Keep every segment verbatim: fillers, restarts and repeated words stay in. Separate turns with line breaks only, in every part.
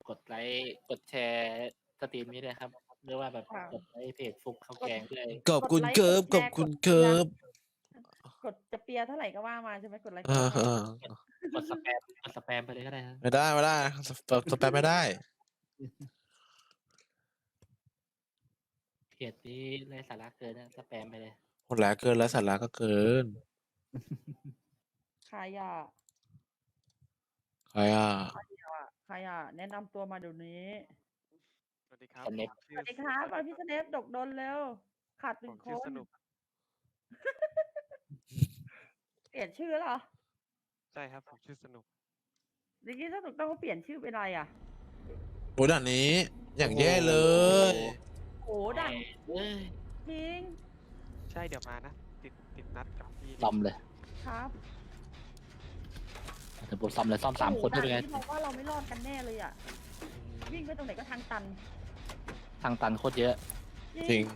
กดไลค์กดแชร์สตรีมนี้ด้วยครับหรือว่าแบบ
ค่ะ
กดไลค์เพจฟุกข้าวแกงด้วย
ขอบคุณ
กดไลค์
เกิบ
ก
ข
ด
อบ
แชร์
คุณ
กด
เกิบ
กดจะเปียร์เท่าไหร่ก็ว่ามาใช่ไหมกดไลค์
เอก
ด
อ
แชร์
ๆ
กดสแปมกดสแปมไปเลยก็ได้ครับ
ไม่ได้ไม่ได้สแปมสแปมไม่ได้
เพจนี้ไร้สาระเกินนะสแปมไปเลย
หมดแล้วเกินแล้วสาระก็เกิน
ใครอ่ะ
ใครอ่ะ
ใครอ่ะใครอ่ะแนะนำตัวมาเดี๋ยวนี้
สวัสดีครับ
สเนป
ผม
ส
ชื่อ
วัสดีครับมาพี่สเนปดกดลเร็วขาดห
ผ
นึ่ง
ม
ค
ชื่อน สนุก
เปลี่ยนชื่อเหรอ
ใช่ครับผมชื่อสนุก
เมื่อกี้สนุกต้องเปลี่ยนชื่อเป็นอะไรอ่ะ
โอ้ด่านนี้ อย่างแย่เลย
โอ้ดัน
เอ้ย
จริง
ใช่เดี๋ยวมานะ ติดติดนัดกับพี่
ซ่อมเลย
ครับ
ถึงผมซ่อมเลยซ่อมสามคน
โอ้
ได้
โห
เป็นไง
ด่านนี้เราว่าเราไม่รอดกันแน่เลยอ่ะวิ่งไปตรงไหนก็ทางตัน
ทางตันโคตรเยอะ
จริง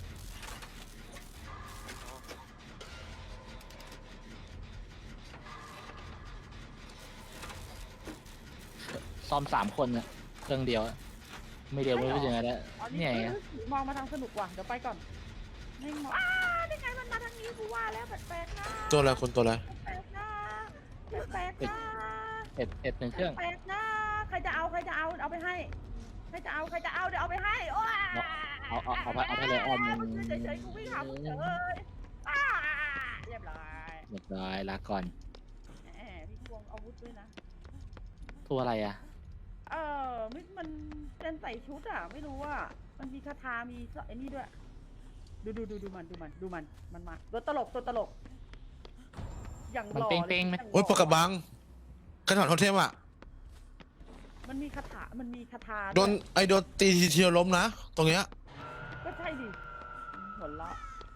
ซ่อมสามคนน่ะเครื่องเดียวอะไม่เดียวไม่รู้จะยังไงแล้ว
อ๋อ
เนี่ยไง
เอ้ยมองมาทางสนุกว่ะเดี๋ยวไปก่อนไม่งมองอ้าได้ไงมันมาทางนี้กูว่าแล้วแปลกๆนะ
ตัวอะไรคุณตัวอะไร
แปลกๆนะแปลกๆนะ
เอ็ดเอ็ดหนึ่งเครื่อง
แปลกๆนะใครจะเอาใครจะเอาเอาไปให้ใครจะเอาใครจะเอาเดี๋ยวเอาไปให้โอ้ย
เอาเอาเอาไปเอาไปเลยอ้อม
มึงเฉยๆกูวิ่งหามึงเฉยอ้าเรียบร้อย
เรียบร้อยลาก่อน
แหมพี่ควงอาวุธด้วยนะ
ตัวอะไรอ่ะ
เออมันมันเป็นใส่ชุดอ่ะ ไม่รู้ว่ามันมีคาถามีไอ้นี่ด้วย ดูดูดูดูมันดูมันดูมันมันมาตัวตลกตัวตลก อย่าง
มัน
หล่อ
เป้งๆไหม
อย่างหล่
โอ้ยปากกระบังกระถางโทเทมอ่ะ
มันมีคาถามันมีคาถา
โดน
วย
ไอโดนตีทีเดียวล้มนะ ตรงเนี้ย
ก็ใช่ดิหัวเราะ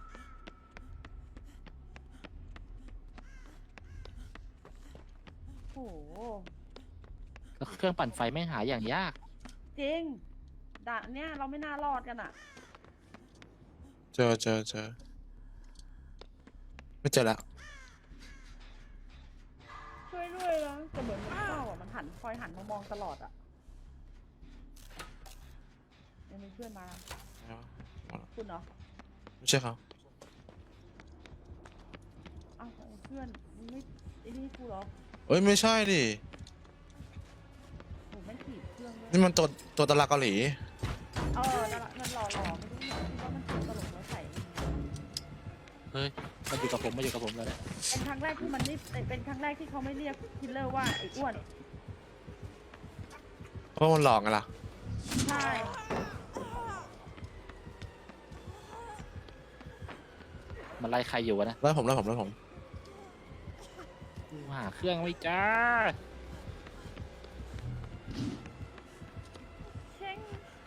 โอ้โห
แล้วเครื่องปั่นไฟไม่งหาอย่างยาก
จริงด่านเนี้ยเราไม่น่ารอดกันอ่ะ
เจอเจอเจอไม่เจอแล้ว
ช่วยด้วยนะแต่เหมือนมันเศร้าอ่ะมันหันคอยหันมามองตลอดอ่ะยังมีเพื่อนมาคุณเหรอ
ไม่ใช่เขา
อ้าวเพื่อนมึงไม่ไอ้นี่กูเหรอ
เอ้ยไม่ใช่ดิ
โหไม่งขีดเครื่องด้วย
นี่มันตัวตัวตลาดเกาหลี
เออนั่นแหละนั่นหล่อหล่อไม่รู้หรอกคิดว่ามันเป็นตลกแล้วใส่
เฮ้ยมาอยู่กับผมมาอยู่กับผมแล้วแหละ
เป็นครั้งแรกที่มันนี่เป็นครั้งแรกที่เขาไม่เรียกคิลเลอร์ว่าไอ้อ้วน
เพราะมันหลอกไงล่ะ
ใช่
มันไล่ใครอยู่วะนะ
แล้วผมแล้วผมแล้วผม
กูหาเครื่องไม่จ้า
เช่ง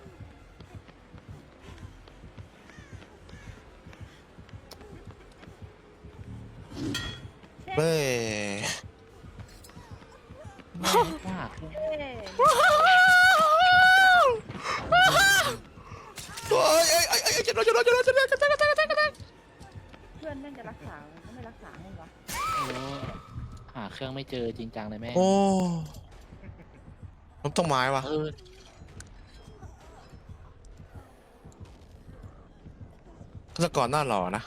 เบ้ย
แม่งกูหาเครื่อง
เอ้ย
โอ้ยเอ้ยเอ้ยเอ้ยจะโดนจะโดนจะโดนจะโดนจะโดนจะโดนจะโดน
เพื่อนแม่งจะรักษามันก็ไม่รักษาให้วะ
โอ้หาเครื่องไม่เจอจริงจังเลยแม่ง
โอ้ล้มต้นไม้วะ
เออ
ฆาตกรหน้าหล่อนะ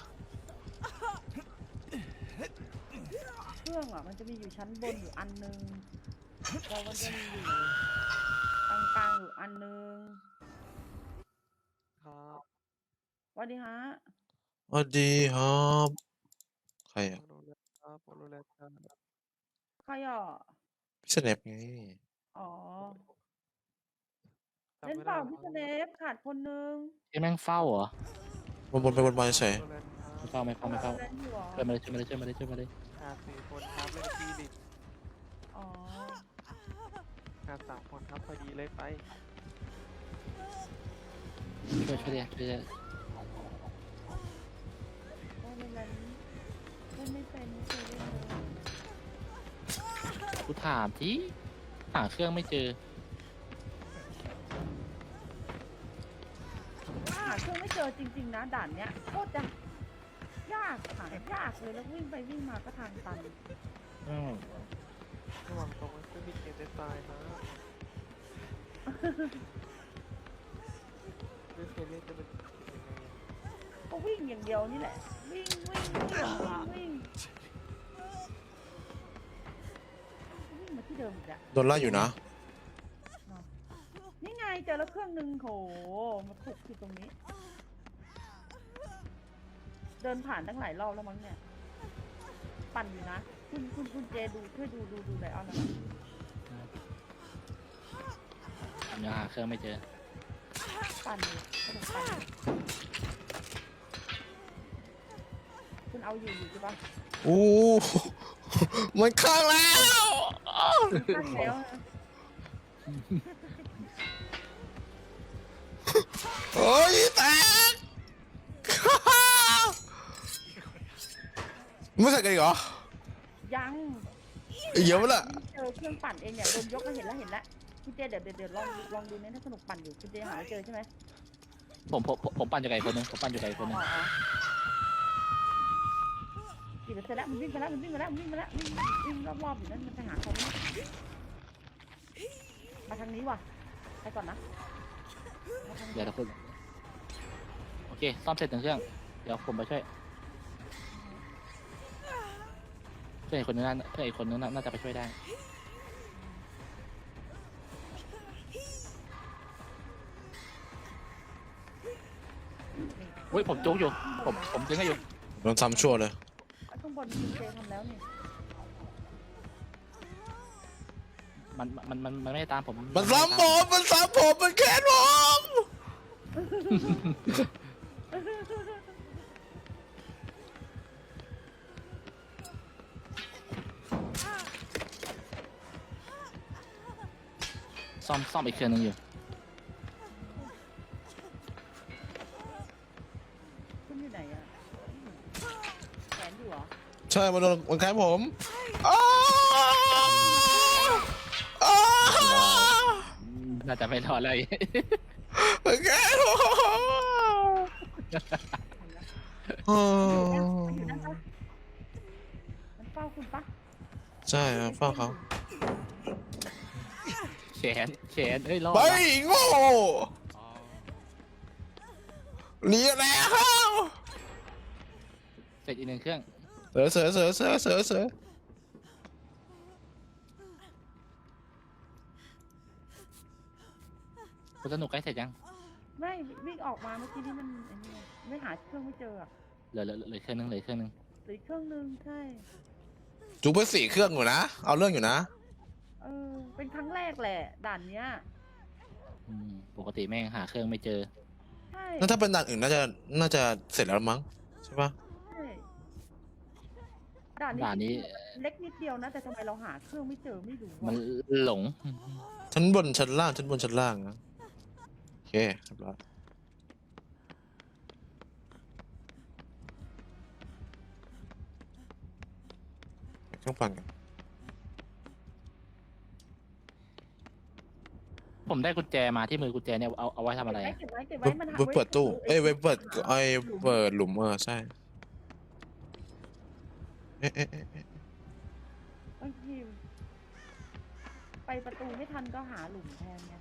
เครื่องอ่ะมันจะมีอยู่ชั้นบนอยู่อันนึงแล้วมันจะมีอยู่กลางกลางๆอยู่อันนึง
ครับ
สวัสดีฮะ
สวัสดีครับใคร
ผ
อ่ะ
มรู้แล้วครับผมรู้แล้วครับ
ใครอ่ะ
พี่สเนปไง
อ๋อ
จำ
เล่น
ไม่
เป
ได้
ล่า
หรอ
พี่สเนปขาดคนนึง
ไอ้แม่งเฝ้าเหรอ
วนวนไปวนมาเฉย
รู้แล้วครั
ไม่
บ
เฝ้าไม่เฝ้าไม่เฝ้า
เล่นอยู่เหรอ
ช่วยมาเลยช่วยมาเลยช่วยมาเลยช่วยมาเลย
ขาดสี่คนครับเล่นกับพี่ดิ
อ๋อ
ขาดสามคนครับพอดีเลยไป
ช่วยช่วยเลยช่วยเลย
โอ้ยเล่นอะไรเล่นไม่เป็นไม่เคยเล่นเลย
กูถามที่หาเครื่องไม่เจอ
หาเครื่องไม่เจอจริงๆนะด่านเนี้ยโคตรจะยากหายากเลยแล้ววิ่งไปวิ่งมาก็ทางตัน
อืม
ระหว่างตรงนั้นคือมีเกมเดนตายนะไม่เคยเล่นจะเป็นยังไงอะ
ก็วิ่งอย่างเดียวนี่แหละ วิ่งวิ่งวิ่งวิ่งวิ่งมาที่เดิมอีกอะ
โดนไล่อยู่นะ
นี่ไงเจอแล้วเครื่องหนึ่งโหมาถูกที่ตรงนี้ เดินผ่านตั้งหลายรอบแล้วมั้งเนี่ย ปั่นอยู่นะ คุณคุณคุณเจดูช่วยดูดูดูไลออนนะ
ผมยังหาเครื่องไม่เจอ
ปั่นอยู่กำลังปั่นอยู่คุณเอาอยู่อยู่ใช่ปะ
อู้มันข้างแล้ว
ตั้งแล้วนะ
โอ้ยแตกไม่ใส่กันอีกเหรอ
ยัง
อีกเยอะปะล่ะ
เจอเครื่องปั่นเองเนี่ยโดนยกมาเห็นแล้วเห็นแล้วคุณเจเดี๋ยวเดี๋ยวเดี๋ยวลองลองดูเนี่ยถ้าสนุกปั่นอยู่คุณเจหาไม่เจอใช่ไหม
ผมผมผมผมปั่นอยู่ไกลคนหนึงผมปั่นอยู่ไกลคนหนึง
อ๋ออ๋อกี่เปอร์เซ็นต์แล้วมันวิ่งไปแล้วมันวิ่งไปแล้วมันวิ่งไปแล้ววิ่งวิ่งรอบๆอยู่นั่นมันไปหาเขาไหมมาทางนี้ว่ะไปก่อนนะมาทางนี้
เดี๋ยวเราคุณโอเคซ่อมเสร็จหนึ่งเครื่องเดี๋ยวผมไปช่วยเพื่อนอีกคนนึงน่าเพื่อนอีกคนนึงน่าน่าจะไปช่วยได้อุ้ยผมจุกอยู่ผมผมดึงให้อยู่
โดนซ้ำชั่วเลย
ข้างบนคุณเจทำแล้วนี่
มันมันมันมันไม่ได้ตามผม
มันซ้ำผมมันซ้ำผมมันแค้นผม
ซ่อมซ่อมอีกเครื่องนึงอยู่
คุณอยู่ไหนอะแขนอยู่เหรอ
ใช่มันโดนมันแค้นผมอ้าวอ้าว
น่าจะไม่รอดเลย
มันแค้นผม อ้าว
มันอยู่นั่นปะมันเฝ้าคุณปะ
ใช่ครับฟังเขา
แขนแขนเอ้ยรอด
ไป
ว่ะ
โง่หนีแล้ว
เสร็จอีกหนึ่งเครื่อง
เสือเสือเสือเสือเสือเสือ
คุณสนุกใกล้เสร็จยัง
ไม่วิ่งออกมาเมื่อกี้นี่มันไอ้นี่ไม่หาเครื่องไม่เจออะ
เหลือเหลือเหลือเครื่องนึงเหลือเครื่องนึง
หรือเครื่องนึงใช่
จูบไปสี่เครื่องอยู่นะ เอาเรื่องอยู่นะ
เออเป็นครั้งแรกแหละด่านเนี้ย
อืมปกติแม่งหาเครื่องไม่เจอ
ใช่
แล้วถ้าเป็นด่านอื่นน่าจะน่าจะเสร็จแล้วมั้งใช่ปะ
ใช่ด่านนี้
ด่านนี้
เล็กนิดเดียวนะ แต่ทำไมเราหาเครื่องไม่เจอไม่รู้
มัน
อะ
หลง
ชั้นบนชั้นล่างชั้นบนชั้นล่างนะโอเคเรียบร้อยเครื่องปั่นกัน
ผมได้กุญแจมาที่มือกุญแจเนี่ยเอาเอาไว้ทำอะไรอะ
เก็บไว้เก็บ
ไว้
ไว้มันหา
ไว้เปิดตู้เอ้ยไว้เปิด
หา
ไอ้
หลุม
เปิดหลุมเออใช่เอ๊ะเอ๊ะเอ๊ะเอ๊ะ
บางทีไปประตูไม่ทันก็หาหลุมแทนไง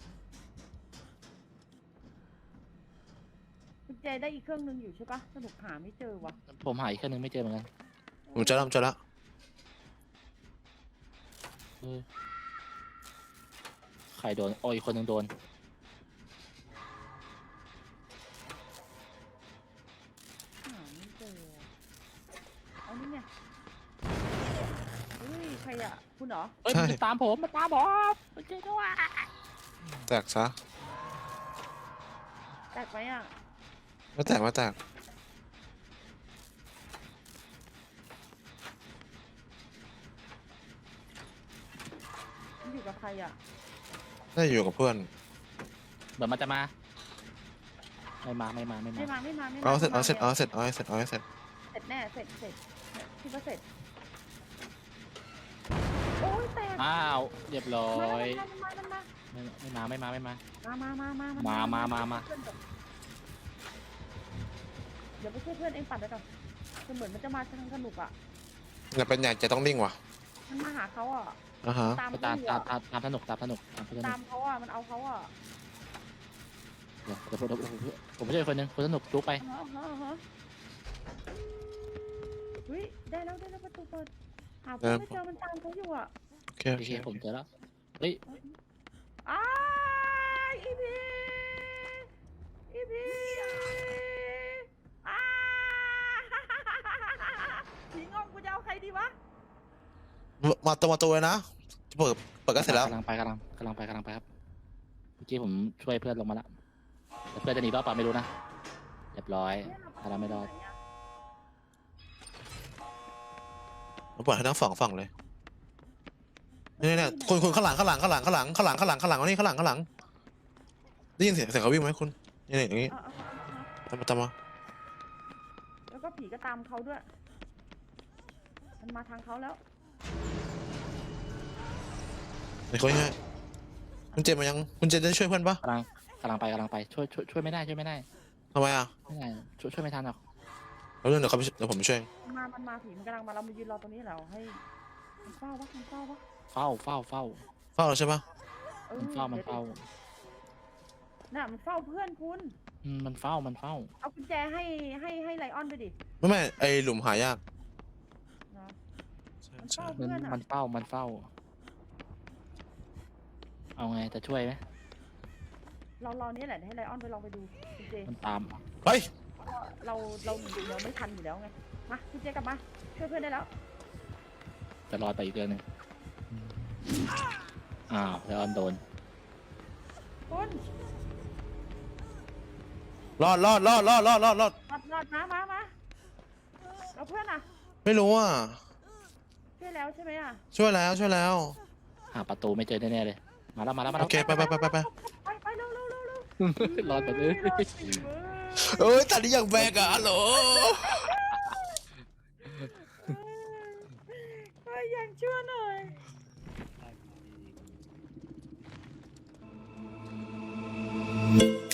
คุณเจได้อีกเครื่องนึงอยู่ใช่ปะสนุกหาไม่เจอวะ
ผมหาอีกเครื่องนึงไม่เจอเหมือนกัน
ผมเจะแล้วผมเจะแล้ว
เออใครโดนโอ้ยอีกคนนึงโดน
หาไม่เจอเอานี่ไงเฮ้ยใครอะคุณเหรอ
เอ้ยมันตามผมมันตามผมมันเจอด้วย
แตกซะ
แตกไหมอะ
ไม่แตกไม่แตก
มันอยู่กับใครอะ
น่าจะอยู่กับเพื่อน
เดี๋ยวมันจะมา ไม่มาไม่มาไม่มา
ไม่มาไม่มาไม่มา
เอาเสร็จเอา
ไม่
เสร็จ
มา
เอาเสร็จเอาเสร็จเอาเสร็จ
เสร็จแน่เสร็จเสร็จคิดว่าเสร็จโอ้ยแตก
อ้าวเรียบร้อ
มาย มันมามันมา
ไม่ไม่มาไม่มาไม่มา
มามามามา
มา
มา
มามา
เดี๋ยวไปช่วยเพื่อนเองปัดไปก่อนคือเหมือนมันจะมาทางสนุกอ่ะ
อย่าเป็นใหญ่จะต้องนิ่งว่ะ
มันมาหาเขาอ่ะ
อ่าฮะ
ตาม
ไปตาม
เขา
ตาม
อะ
ตามตามสนุกตามสนุกตามสนุก
ตามเขาอ่ะมันเอาเขาอ่ะ
เดี๋ยวเดี๋ยวผมผมผมช่วยคนหนึงคนสนุกจุกไป
อ่าฮะอ่าฮะเฮ้ยได้แล้วได้แล้วประตูเปิดหาเพื่อนไม่เจอมันตามเขาอยู่อ่ะ
โอเค
โอ
โอ
เค
เค
ผมเจอแล้วเฮ้ย
อ้ายอีพีอีพีอ้าผีงงกูจะเอาใครดีวะ
มาตัวมาตัวเลยนะเปิดเปิดก็เสร็จแล้ว
กำลังไปกำลังกำลังไปกำลังไปครับเมื่อกี้ผมช่วยเพื่อนลงมาแล้วแต่เพื่อนจะหนีรอดเปล่าไม่รู้นะเรียบร้อย
เนี่ย
ถ้าเราไม่รอด
มาเปิดให้ทั้งสองฝั่งเลยเนี่ยเนี่ยคนคนข้างหลังข้างหลังข้างหลังข้างหลังข้างหลังข้างหลังข้างหลังเอานี่ข้างหลังข้างหลังได้ยินเสียงเสียงเขาวิ่งไหมคุณนี่นี่อย่างนี้
เอาเอาเอาเอา
ตามมาตามมา
แล้วก็ผีก็ตามเขาด้วย มันมาทางเขาแล้ว
ไอ้คนง่ายคุณเจมมายังคุณเจมได้ช่วยเพื่อนปะ
กำลังกำลังไปกำลังไปช่วยช่วยช่วยไม่ได้ช่วยไม่ได้
ทำไมอ่ะ
ไม่ได้ช่วยช่วยไม่ทันหรอก
แล้วเรื่องเดี๋ยวเขาไปเดี๋ยวผมไปช่วย
มันมา มันมาผีมันกำลังมาเรามายืนรอตรงนี้แล้วให้มันเฝ้าวะมันเฝ้าวะ
เฝ้าเฝ้าเฝ้า
เฝ้าแล้วใช่ปะ
ออ
มันเฝ้ามันเฝ้า
น่ะมันเฝ้าเพื่อนคุณ
อืมมันเฝ้ามันเฝ้า
เอากุญแจให้ให้ให้ไลออนไปดิ
ไม่ไม่ไอหลุมหายาก
นะ
ใช่
มัน
ใช่
เฝ้า
มันมันเฝ้ามันเฝ้า เอาไงจะช่วยไหม
เรารอนี้แหละเดี๋ยวให้ไลออนไปลองไปดูคุณเจ
มันตาม
เฮ้ย
เราเราเราไม่ทันอยู่แล้วไง มาคุณเจกลับมาช่วยเพื่อนได้แล้ว
จะรอดไปอีกเดือนหนึ่งอ้าวแล้วออนโดน
คุณ
รอดรอดรอดรอดรอดรอดรอด
รอดรอดมามามาเราเพื่อนอ่ะ
ไม่รู้อ่ะ
ช่วยแล้วใช่ไหมอ่ะ
ช่วยแล้วช่วยแล้ว
หาประตูไม่เจอแน่ๆเลย มาแล้วมาแล้วมาแล้
โอ
ว
เคไปไปไปไปไป
ไปไปเร็วเร็วเร็วเร็ว
รอดไปเลย
รอดสิเว้ย
เอ้ยตัดนี้อย่างแบกอะฮัลโหล
เฮ้ยยังชั่วหน่อย